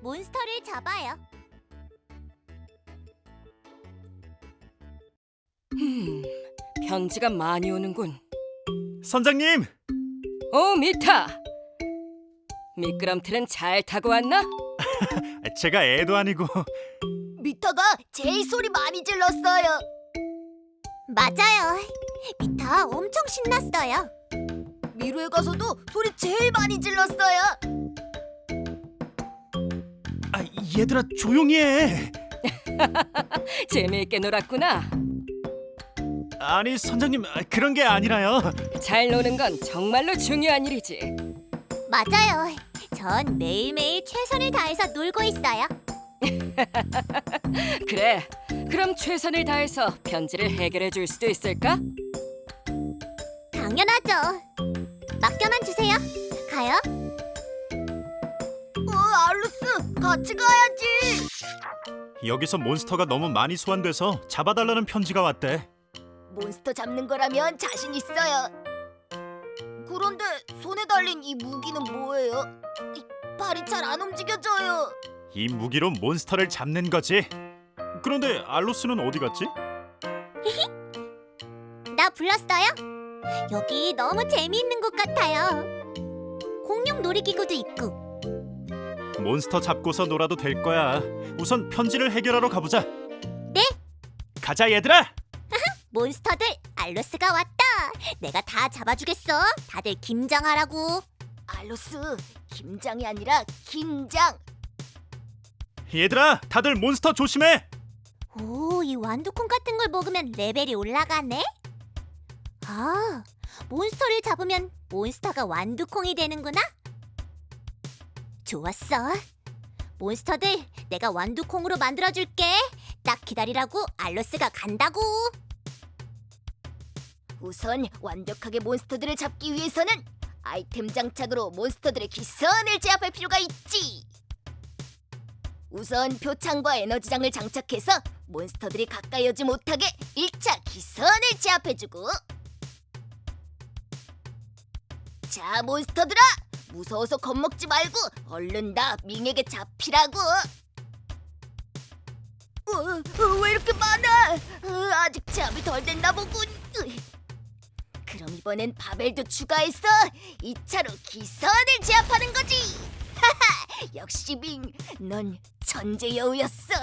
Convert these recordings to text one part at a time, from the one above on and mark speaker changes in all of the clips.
Speaker 1: 몬스터를 잡아요.
Speaker 2: 편지가 많이 오는군.
Speaker 3: 선장님!
Speaker 2: 미타! 미끄럼틀은 잘 타고 왔나?
Speaker 3: 제가 애도 아니고
Speaker 1: 미타가 제일 소리 많이 질렀어요. 맞아요. 미타 엄청 신났어요. 미루에 가서도 소리 제일 많이 질렀어요.
Speaker 3: 얘들아 조용히 해.
Speaker 2: 재미있게 놀았구나.
Speaker 3: 아니 선장님 그런 게 아니라요.
Speaker 2: 잘 노는 건 정말로 중요한 일이지.
Speaker 1: 맞아요. 전 매일매일 최선을 다해서 놀고 있어요.
Speaker 2: 그래, 그럼 최선을 다해서 편지를 해결해 줄 수도 있을까?
Speaker 1: 당연하죠. 맡겨만 주세요. 가요. 알루스, 같이 가야지.
Speaker 3: 여기서 몬스터가 너무 많이 소환돼서 잡아달라는 편지가 왔대.
Speaker 1: 몬스터 잡는 거라면 자신 있어요. 그런데 손에 달린 이 무기는 뭐예요? 발이 잘 안 움직여져요.
Speaker 3: 이 무기로 몬스터를 잡는 거지. 그런데 알로스는 어디 갔지?
Speaker 1: 나 불렀어요? 여기 너무 재미있는 곳 같아요. 공룡 놀이기구도 있고.
Speaker 3: 몬스터 잡고서 놀아도 될 거야. 우선 편지를 해결하러 가보자.
Speaker 1: 네.
Speaker 3: 가자 얘들아.
Speaker 1: 몬스터들, 알로스가 왔다. 내가 다 잡아주겠어. 다들 김장하라고. 알로스, 김장이 아니라 긴장.
Speaker 3: 얘들아 다들 몬스터 조심해.
Speaker 1: 오, 이 완두콩 같은 걸 먹으면 레벨이 올라가네? 아, 몬스터를 잡으면 몬스터가 완두콩이 되는구나? 좋았어. 몬스터들, 내가 완두콩으로 만들어줄게. 딱 기다리라고 알로스가 간다고. 우선 완벽하게 몬스터들을 잡기 위해서는 아이템 장착으로 몬스터들의 기선을 제압할 필요가 있지. 우선 표창과 에너지장을 장착해서 몬스터들이 가까이 오지 못하게 1차 기선을 제압해주고. 자, 몬스터들아! 무서워서 겁먹지 말고 얼른 다 밍에게 잡히라고. 왜 이렇게 많아? 아직 제압이 덜 됐나 보군. 그럼 이번엔 바벨도 추가해서 2차로 기선을 제압하는 거지. 하하, 역시 밍, 넌 천재 여우였어.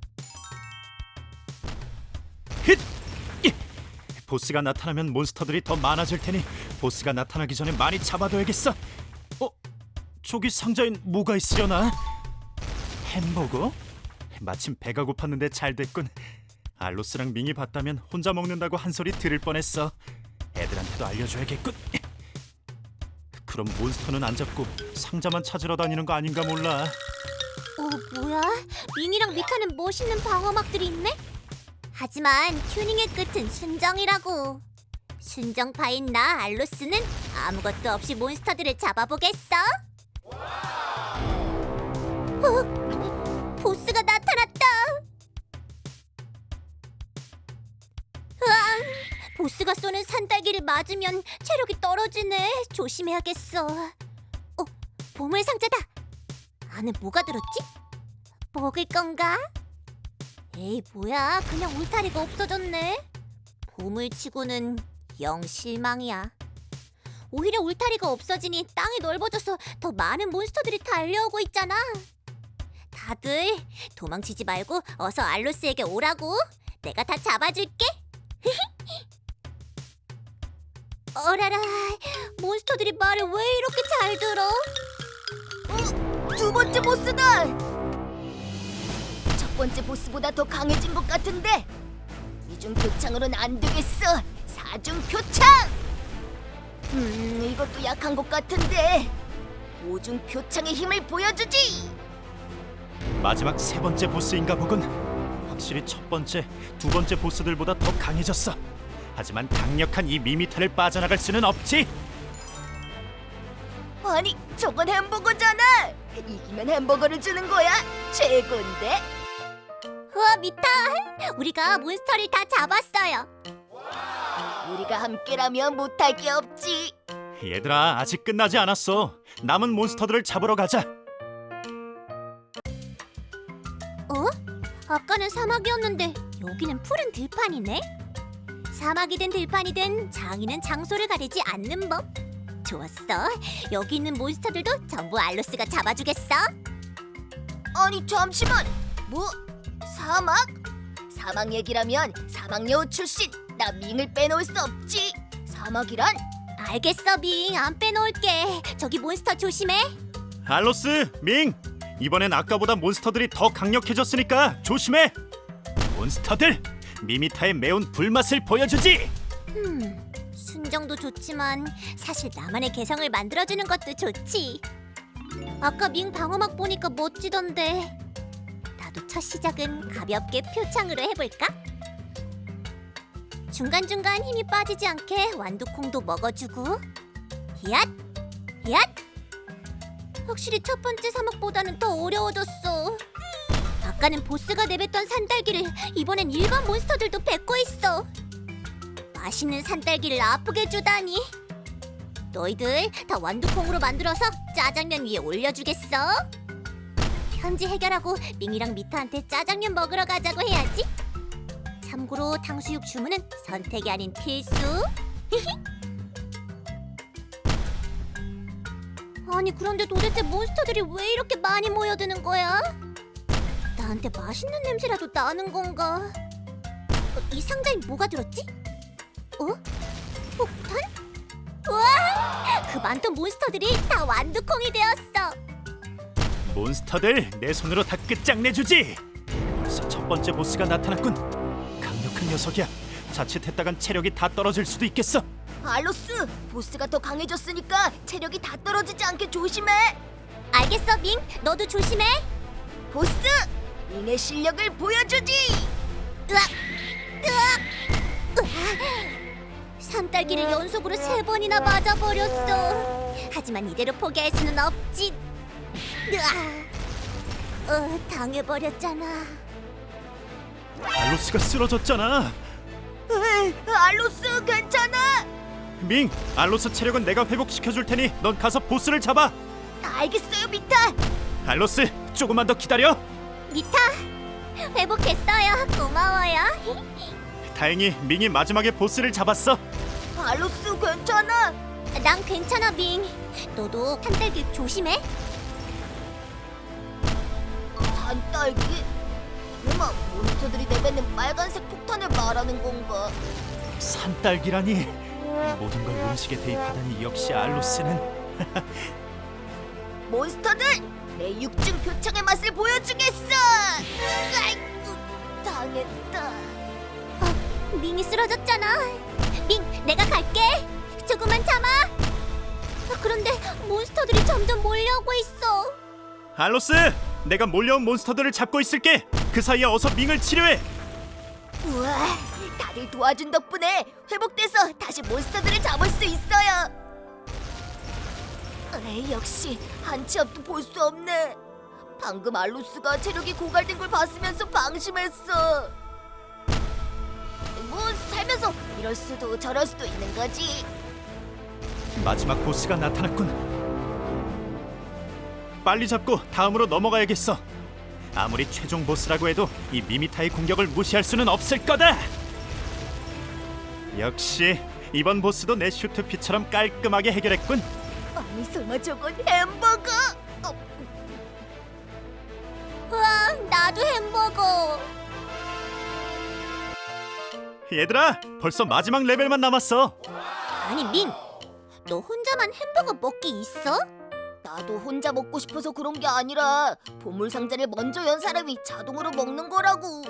Speaker 3: 보스가 나타나면 몬스터들이 더 많아질 테니 보스가 나타나기 전에 많이 잡아둬야겠어. 저기 상자엔 뭐가 있으려나? 햄버거? 마침 배가 고팠는데 잘 됐군. 알로스랑 밍이 봤다면 혼자 먹는다고 한 소리 들을 뻔했어. 애들한테도 알려줘야겠군. 그럼 몬스터는 안 잡고 상자만 찾으러 다니는 거 아닌가 몰라.
Speaker 1: 뭐야? 밍이랑 미타는 멋있는 방어막들이 있네? 하지만 튜닝의 끝은 순정이라고. 순정파인 나 알로스는 아무것도 없이 몬스터들을 잡아보겠어. 보스가 나타났다. 으앙, 보스가 쏘는 산딸기를 맞으면 체력이 떨어지네. 조심해야겠어. 보물 상자다. 안에 뭐가 들었지? 먹을 건가? 에이, 뭐야, 그냥 울타리가 없어졌네. 보물치고는 영 실망이야. 오히려 울타리가 없어지니 땅이 넓어져서 더 많은 몬스터들이 달려오고 있잖아. 다들 도망치지 말고 어서 알로스에게 오라고. 내가 다 잡아줄게. 어라라, 몬스터들이 말을 왜 이렇게 잘 들어? 두 번째 보스다. 첫 번째 보스보다 더 강해진 것 같은데. 이중 표창으로는 안 되겠어. 사중 표창. 이것도 약한 것 같은데. 오중 표창의 힘을 보여주지.
Speaker 3: 마지막 세 번째 보스인가 보군. 확실히 첫 번째, 두 번째 보스들보다 더 강해졌어. 하지만 강력한 이 미미타를 빠져나갈 수는 없지.
Speaker 1: 아니, 저건 햄버거잖아. 이기면 햄버거를 주는 거야. 최고인데. 우와, 미타, 우리가 몬스터를 다 잡았어요. 우리가 함께라면 못할 게 없지.
Speaker 3: 얘들아 아직 끝나지 않았어. 남은 몬스터들을 잡으러 가자.
Speaker 4: 아까는 사막이었는데 여기는 푸른 들판이네. 사막이든 들판이든 장인은 장소를 가리지 않는 법. 좋았어. 여기 있는 몬스터들도 전부 알로스가 잡아주겠어.
Speaker 1: 아니 잠시만. 뭐? 사막? 사막 얘기라면 사막여우 출신 나 밍을 빼놓을 수 없지. 사막이란?
Speaker 4: 알겠어, 밍. 안 빼놓을게. 저기 몬스터 조심해.
Speaker 3: 알로스, 밍! 이번엔 아까보다 몬스터들이 더 강력해졌으니까 조심해! 몬스터들! 미미타의 매운 불맛을 보여주지!
Speaker 4: 순정도 좋지만 사실 나만의 개성을 만들어주는 것도 좋지. 아까 밍 방어막 보니까 멋지던데. 나도 첫 시작은 가볍게 표창으로 해볼까? 중간중간 힘이 빠지지 않게 완두콩도 먹어주고. 얏! 얏! 확실히 첫 번째 사막보다는 더 어려워졌어. 아까는 보스가 내뱉던 산딸기를 이번엔 일반 몬스터들도 뱉고 있어. 맛있는 산딸기를 아프게 주다니. 너희들 다 완두콩으로 만들어서 짜장면 위에 올려주겠어? 현지 해결하고 밍이랑 미타한테 짜장면 먹으러 가자고 해야지. 참고로 탕수육 주문은 선택이 아닌 필수. 아니 그런데 도대체 몬스터들이 왜 이렇게 많이 모여드는 거야? 나한테 맛있는 냄새라도 나는 건가? 이 상자에 뭐가 들었지? 폭탄? 우와! 그 많던 몬스터들이 다 완두콩이 되었어.
Speaker 3: 몬스터들 내 손으로 다 끝장내주지! 벌써 첫 번째 보스가 나타났군. 강력한 녀석이야. 자칫했다간 체력이 다 떨어질 수도 있겠어.
Speaker 1: 알로스, 보스가 더 강해졌으니까 체력이 다 떨어지지 않게 조심해.
Speaker 4: 알겠어, 밍. 너도 조심해.
Speaker 1: 보스, 밍의 실력을 보여주지.
Speaker 4: 으악! 으악! 산딸기를 연속으로 3번이나 맞아버렸어. 하지만 이대로 포기할 수는 없지. 당해버렸잖아.
Speaker 3: 알로스가 쓰러졌잖아.
Speaker 1: 에이, 알로스 괜찮아?
Speaker 3: 밍, 알로스 체력은 내가 회복시켜줄 테니 넌 가서 보스를 잡아.
Speaker 1: 알겠어요, 미타.
Speaker 3: 알로스, 조금만 더 기다려.
Speaker 4: 미타, 회복했어요. 고마워요.
Speaker 3: 다행히 밍이 마지막에 보스를 잡았어.
Speaker 1: 알로스 괜찮아?
Speaker 4: 난 괜찮아, 밍. 너도 산딸기 조심해.
Speaker 1: 산딸기? 설마 몬스터들이 내뱉는 빨간색 폭탄을 말하는 건가?
Speaker 3: 산딸기라니. 모든 걸 음식에 대입하다니 역시 알로스는.
Speaker 1: 몬스터들! 내 육중 표창의 맛을 보여주겠어! 아이고, 당했다.
Speaker 4: 밍이 쓰러졌잖아. 밍, 내가 갈게. 조금만 참아. 그런데 몬스터들이 점점 몰려오고 있어.
Speaker 3: 알로스, 내가 몰려온 몬스터들을 잡고 있을게. 그 사이에 어서 밍을 치료해.
Speaker 1: 우와, 다들 도와준 덕분에 회복돼서 다시 몬스터들을 잡을 수 있어요. 역시 한치 앞도 볼 수 없네. 방금 알로스가 체력이 고갈된 걸 봤으면서 방심했어. 뭐 살면서 이럴 수도 저럴 수도 있는 거지.
Speaker 3: 마지막 보스가 나타났군. 빨리 잡고 다음으로 넘어가야겠어. 아무리 최종 보스라고 해도 이 미미타의 공격을 무시할 수는 없을 거다. 역시 이번 보스도 내 슈트피처럼 깔끔하게 해결했군.
Speaker 1: 아니 설마 저건 햄버거?
Speaker 4: 우와, 나도 햄버거.
Speaker 3: 얘들아, 벌써 마지막 레벨만 남았어.
Speaker 4: 아니, 밍. 너 혼자만 햄버거 먹기 있어?
Speaker 1: 나도 혼자 먹고 싶어서 그런 게 아니라 보물 상자를 먼저 연 사람이 자동으로 먹는 거라고.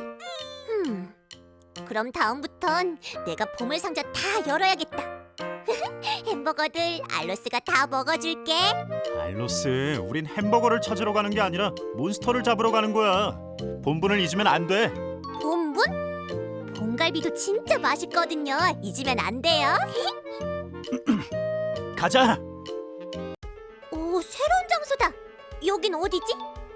Speaker 4: 그럼 다음부턴 내가 보물 상자 다 열어야겠다. 햄버거들 알로스가 다 먹어줄게.
Speaker 3: 알로스, 우린 햄버거를 찾으러 가는 게 아니라 몬스터를 잡으러 가는 거야. 본분을 잊으면 안 돼.
Speaker 4: 본분? 봉갈비도 진짜 맛있거든요. 잊으면 안 돼요.
Speaker 3: 가자.
Speaker 4: 오, 새로운 장소다. 여긴 어디지?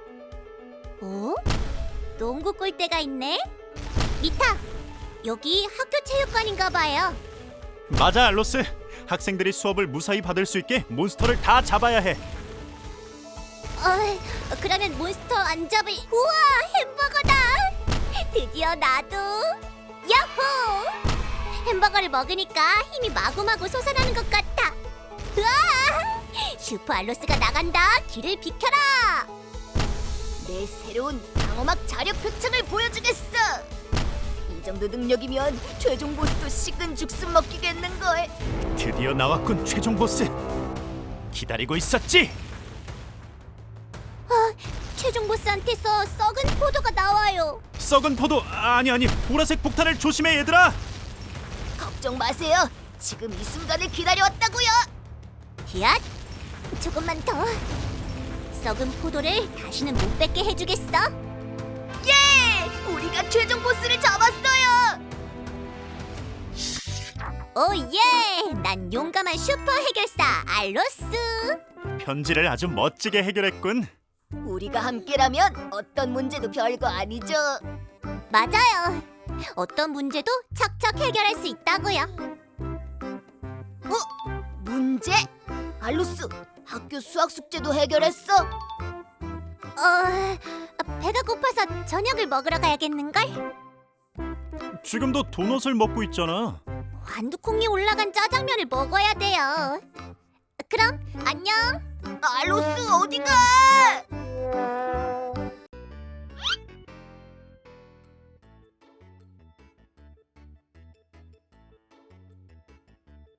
Speaker 4: 농구 골대가 있네. 미타, 여기 학교 체육관인가 봐요.
Speaker 3: 맞아, 알로스. 학생들이 수업을 무사히 받을 수 있게 몬스터를 다 잡아야 해.
Speaker 4: 그러면 몬스터 안 잡을. 우와, 햄버거다. 드디어 나도 야호! 햄버거를 먹으니까 힘이 마구마구 솟아나는 것 같아. 으아! 슈퍼 알로스가 나간다. 길을 비켜라.
Speaker 1: 내 새로운 방어막 자력 표창을 보여주겠어. 이 정도 능력이면 최종 보스도 식은 죽순 먹기겠는걸.
Speaker 3: 드디어 나왔군 최종 보스. 기다리고 있었지.
Speaker 4: 최종 보스한테서 썩은 포도가 나와요.
Speaker 3: 썩은 포도 아니 보라색 폭탄을 조심해 얘들아.
Speaker 1: 걱정 마세요. 지금 이 순간을 기다려왔다고요.
Speaker 4: 히앗! 조금만 더. 썩은 포도를 다시는 못 뺏게 해주겠어.
Speaker 1: 예! 우리가 최종 보스를 잡았어요.
Speaker 4: 오예! 난 용감한 슈퍼 해결사 알로스.
Speaker 3: 편지를 아주 멋지게 해결했군.
Speaker 1: 우리가 함께라면 어떤 문제도 별거 아니죠.
Speaker 4: 맞아요. 어떤 문제도 척척 해결할 수 있다고요.
Speaker 1: 문제? 알로스, 학교 수학 숙제도 해결했어?
Speaker 4: 배가 고파서 저녁을 먹으러 가야겠는걸?
Speaker 3: 지금도 도넛을 먹고 있잖아.
Speaker 4: 완두콩이 올라간 짜장면을 먹어야 돼요. 그럼 안녕.
Speaker 1: 알로스 어디가?